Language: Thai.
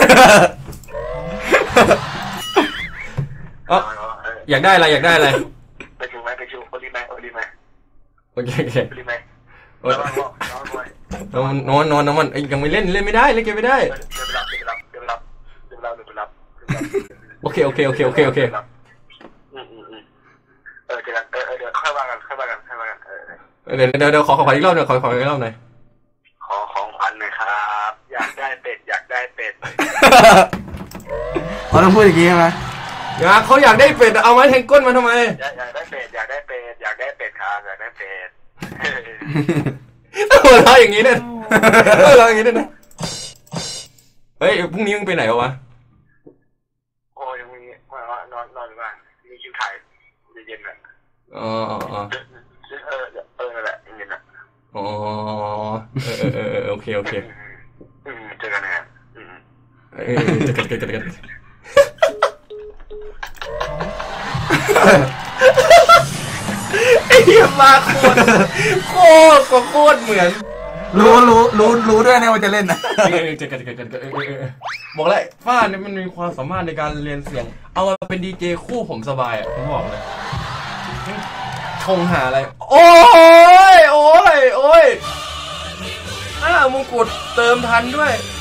อยากได้อะไรอยากได้อะไรไปถึงไหมไปถึงโอลิไหมโอลิไหมโอเคโอเคโอลิไหมนอนมันยังไม่เล่นไม่ได้เล่นเกมไม่ได้เดี๋ยวไปรับโอเคเจอกันเดี๋ยวค่อยว่ากันเดี๋ยวขออีกรอบหน่อยขออีกรอบหน่อยขอของขวัญหน่อยครับอยากได้เป็ดเขาต้องพูดอย่างนี้ใช่ไหมเขาอยากได้เป็ดเอาไม้แทงก้นมาทำไมอยากได้เป็ดครับอยากได้เป็ดหัวเราะอย่างนี้เนี่ยหัวเราะอย่างนี้เนี่ยเฮ้ยพรุ่งนี้มึงไปไหนวะโอ้ยยังมีนอนอยู่บ้านมีคิวถ่ายเย็นๆเลยนั่นแหละเย็นๆอ่ะโอเคเจอกันนะเจอกันไอ้เหี้ยมาโคตรเหมือนรู้ด้วยนะว่าจะเล่นนะเจอกันบอกเลยฟ้าเนี่ยมันมีความสามารถในการเรียนเสียงเอามาเป็นดีเจคู่ผมสบายอ่ะผมบอกเลยชงหาอะไรโอ้ยมงกุฎเติมทันด้วย